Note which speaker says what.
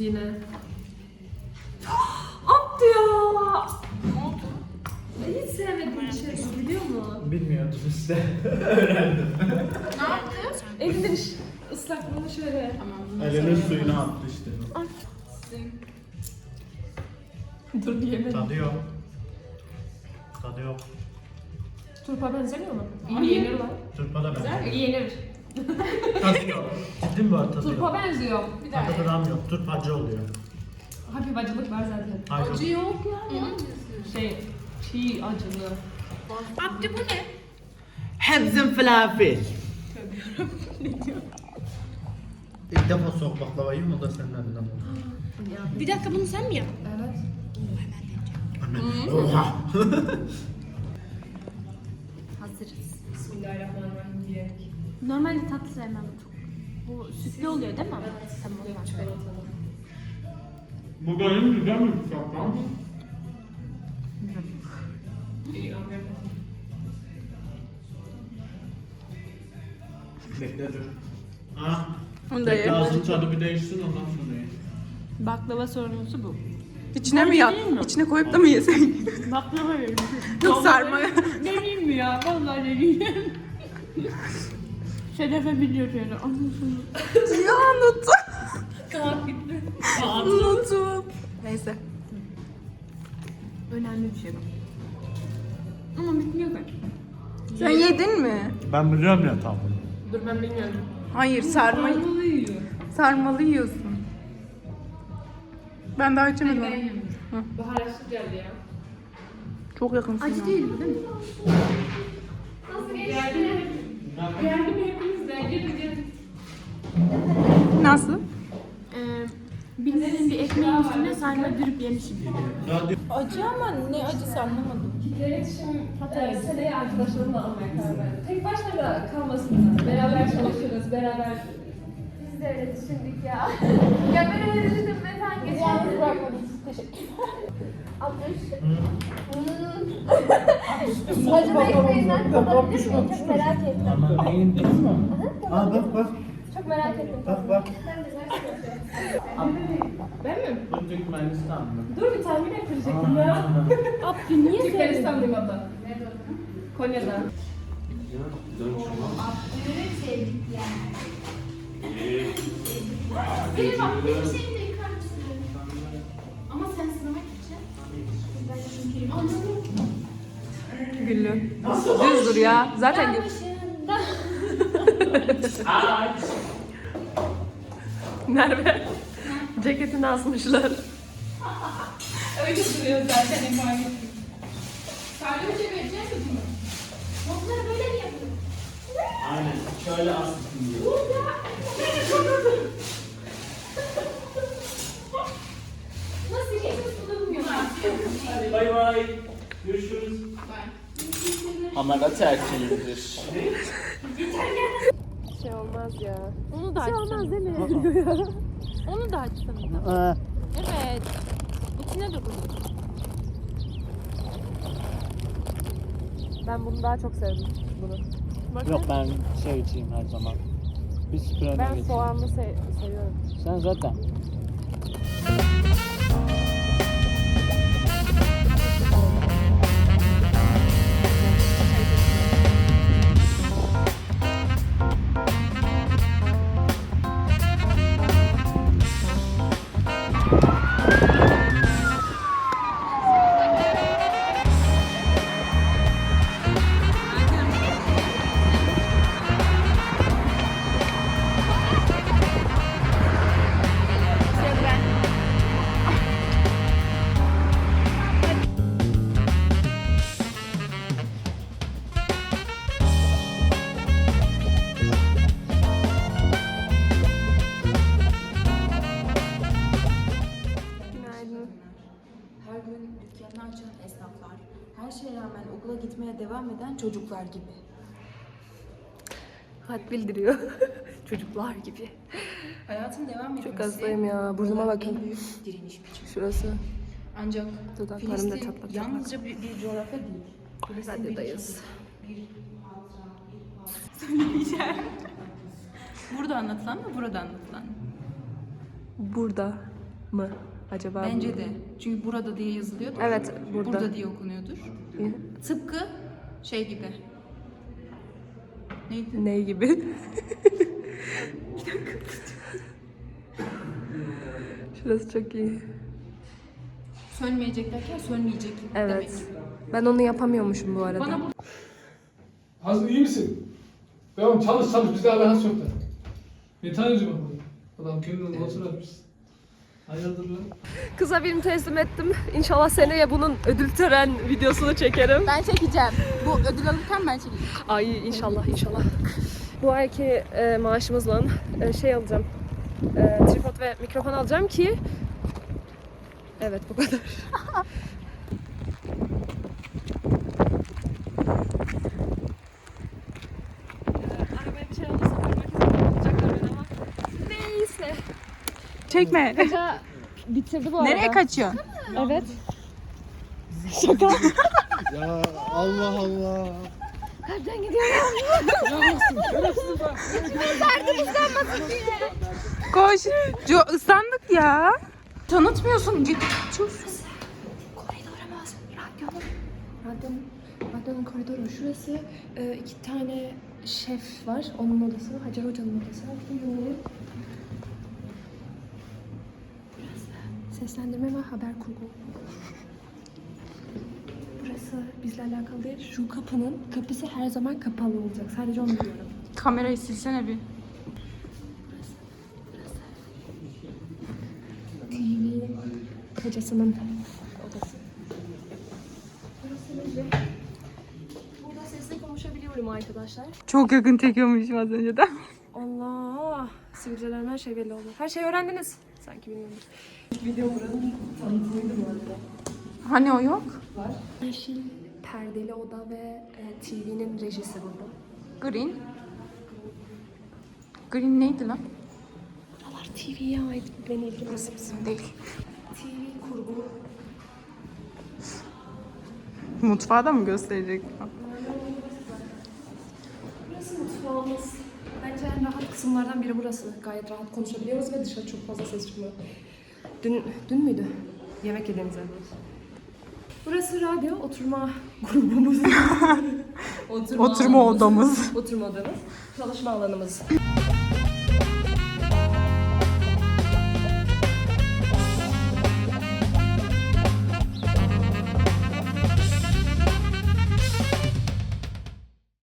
Speaker 1: yine. Attı ya.
Speaker 2: Ne oldu?
Speaker 1: Hiç sevmediğim bir şey bu, biliyor musun?
Speaker 3: Bilmiyordum işte. Öğrendim.
Speaker 2: Ne yaptı?
Speaker 1: Elinden ıslaklığını şöyle.
Speaker 3: Elinin suyunu attı işte.
Speaker 1: Dur diyemedim.
Speaker 3: Tadı yok. Tadı yok.
Speaker 1: Turpa benzemiyor mu? İyi yenir lan.
Speaker 3: Turpa da ben.
Speaker 1: İyi yenir.
Speaker 3: Tadı yok. Ciddi mi var tadı
Speaker 1: Turpa
Speaker 3: yok?
Speaker 1: benziyor. Bir daha.
Speaker 3: Tadı gram yok. Turpacı oluyor.
Speaker 1: Hafif acılık var zaten.
Speaker 3: Hayır.
Speaker 2: Acı yok ya.
Speaker 1: Şey, çiğ acılı.
Speaker 2: Abdi bu ne?
Speaker 3: Hepsinin falafel. İlk defa soğuk baklava yiyorum, o da senin elinden oldu.
Speaker 2: Bir dakika bunu sen mi yaptın?
Speaker 1: Evet.
Speaker 3: Oha!
Speaker 4: Hazırız.
Speaker 1: Bismillahirrahmanirrahim diyerek.
Speaker 4: Normalde tatlı sevmem çok. Bu sütlü oluyor değil mi? Tamam.
Speaker 3: Bu benim güzel mi şapkam? Bekle dur. Ha?
Speaker 4: Onu da
Speaker 3: Bekle
Speaker 4: ye.
Speaker 3: ağzın tadı bir değişsin ondan sonra ye.
Speaker 4: Baklava sorumlusu bu.
Speaker 5: İçine mi ya? İçine koyup da mı yesek?
Speaker 4: Baklava verin.
Speaker 5: Yok sarma.
Speaker 4: Vereyim mi ya? Vallahi vereyim. Şerefe biliyor şöyle. Anlasın.
Speaker 5: Ya unuttum.
Speaker 4: Kağıt gitti.
Speaker 5: Unuttum. Neyse.
Speaker 4: Önemli bir şey bu. Ama bitmiyor ki.
Speaker 5: Sen yedin mi?
Speaker 3: Ben biliyorum ya tam.
Speaker 1: Dur ben bilmiyorum.
Speaker 5: Hayır sarma.
Speaker 1: Sarmalı yiyor.
Speaker 5: Sarmalı yiyorsun. Ben daha içemedim.
Speaker 1: Baharatlı geldi ya.
Speaker 5: Çok yakınsın.
Speaker 4: Acı değil bu değil mi?
Speaker 1: Geldi mi hepiniz de? Gelin gelin.
Speaker 5: Nasıl?
Speaker 4: Bildiğin bir ekmeğin üstüne sarma dürüp yemişim.
Speaker 5: Acı ama ne acısı anlamadım.
Speaker 1: İletişim seneye arkadaşlarımla almaya karar verdim. Tek başına da kalmasınlar. Beraber çalışırız, beraber.
Speaker 6: Biz de öyle düşündük ya. Ya ben öyle düşündüm ve sen geçen yalnız bırakmadınız. Teşekkürler. Abdüş. Acılı ekmeğinden tadabilir miyim? Çok merak ettim.
Speaker 3: Ama neyin değil mi? Aa bak bak.
Speaker 6: Çok merak ettim.
Speaker 3: Bak bak.
Speaker 6: Ben de merak
Speaker 1: Ben mi?
Speaker 3: Bu Türkmenistan mı?
Speaker 1: Dur bir tahmin ettirecektim ya.
Speaker 4: Abdü niye sevdin?
Speaker 1: Türkmenistan limanı. Konya'dan.
Speaker 6: Benim aklımda bir şey de yıkar mısın? Ama sen sınamak için. Ben çünkü anladım.
Speaker 5: Güllü. Düz dur ya. Zaten gül.
Speaker 6: Başında.
Speaker 1: Merve. Ceketini asmışlar.
Speaker 2: Öyle duruyor zaten emanet. Sadece bir şey vereceğiz mi?
Speaker 6: Notları böyle mi yapıyor?
Speaker 3: Aynen. Şöyle aslında diyor.
Speaker 6: Nasıl geçiyorsun da bilmiyorum.
Speaker 3: Hadi bay bay. Görüşürüz. Ama da tertemiz.
Speaker 1: Şey olmaz ya.
Speaker 4: Onu da açsana. değil mi? Onu da açsana. Evet. İçine dokundur.
Speaker 1: Ben bunu daha çok sevdim. Bunu.
Speaker 3: Yok ben şey içeyim her zaman. Bir süpürene
Speaker 1: Ben
Speaker 3: geçeyim.
Speaker 1: soğanlı seviyorum.
Speaker 3: Sen zaten.
Speaker 7: Her gün dükkanını açan esnaflar, her şeye rağmen okula gitmeye devam eden çocuklar gibi.
Speaker 1: Had bildiriyor. Çocuklar gibi.
Speaker 7: Hayatın devam etmesi...
Speaker 1: Çok hastayım ya. Burnuma
Speaker 7: onların
Speaker 1: bakın.
Speaker 7: en büyük direniş biçimi.
Speaker 1: Şurası.
Speaker 7: Ancak
Speaker 1: Dudaklarım da
Speaker 7: Filistin
Speaker 1: çatlak çatlak.
Speaker 7: yalnızca bir coğrafya değil. Filistin bir
Speaker 1: Radyodayız.
Speaker 7: Burada anlatılan mı, burada anlatılan mı?
Speaker 1: Burada.
Speaker 4: mı acaba?
Speaker 7: Bence de. Çünkü burada diye yazılıyordur.
Speaker 4: Evet, burada.
Speaker 7: Burada diye okunuyordur. Tıpkı şey gibi. Neydi?
Speaker 4: Ne gibi? Şurası çok iyi.
Speaker 7: Sönmeyecek derken sönmeyecek
Speaker 4: Evet.
Speaker 7: demek.
Speaker 4: Ben onu yapamıyormuşum bu arada.
Speaker 7: Bana bu
Speaker 8: Hazır iyi misin? Devam çalış bizde alakası yok da. Ne tanıcı bak adam kendini nasıl atmış. Hayırdır lan?
Speaker 4: Kıza birini teslim ettim. İnşallah seneye bunun ödül tören videosunu çekerim.
Speaker 7: ben çekeceğim. Bu ödül alırken ben çekeceğim.
Speaker 4: Ay inşallah inşallah. Bu ayki maaşımızla şey alacağım. Tripod ve mikrofon alacağım ki evet bu kadar. Arabaya bir şey alırsam herkese bakacaklar beni ama neyse.
Speaker 5: Çekme.
Speaker 4: Hoca bitirdi bu arada.
Speaker 5: Nereye kaçıyorsun?
Speaker 4: Evet.
Speaker 3: Ya Allah Allah.
Speaker 5: Koş. Islandık ya. Tanıtmıyorsun. Git.
Speaker 4: Radyonun koridoru şurası. İki tane şef var. Onun odası. Hacer Hoca'nın odası. Buyurun. Burası seslendirme ve haber kurgu. Burası bizle alakalı değil. Şu kapısı her zaman kapalı olacak. Sadece onu biliyorum.
Speaker 5: Kamerayı silsene bir.
Speaker 4: TV hocasının odası. Burası müze. Burada sesle konuşabiliyorum arkadaşlar.
Speaker 5: Çok yakın çekiyormuşum az önceden.
Speaker 4: Allah! Sivilcelerim her şey belli oldu. Her şeyi öğrendiniz. Sanki bilmiyorum. Video buranın tanıtımıydı bu arada.
Speaker 5: Hani o yok?
Speaker 4: Var. Yeşil perdeli oda ve TV'nin rejisi burada.
Speaker 5: Green. Green neydi lan?
Speaker 4: Buralar TV'ye ait. Beni ilgilenmez bizim değil. TV kurgu.
Speaker 5: Mutfağı da mı gösterecek?
Speaker 4: Burası mutfağımız. Bence en rahat kısımlardan biri burası. Gayet rahat konuşabiliyoruz ve dışarı çok fazla ses çıkmıyor. Dün müydü? Yemek yediğimiz yer burası. Burası radyo, oturma grubumuz.
Speaker 5: Oturma odamız.
Speaker 4: Oturma odamız. Çalışma alanımız.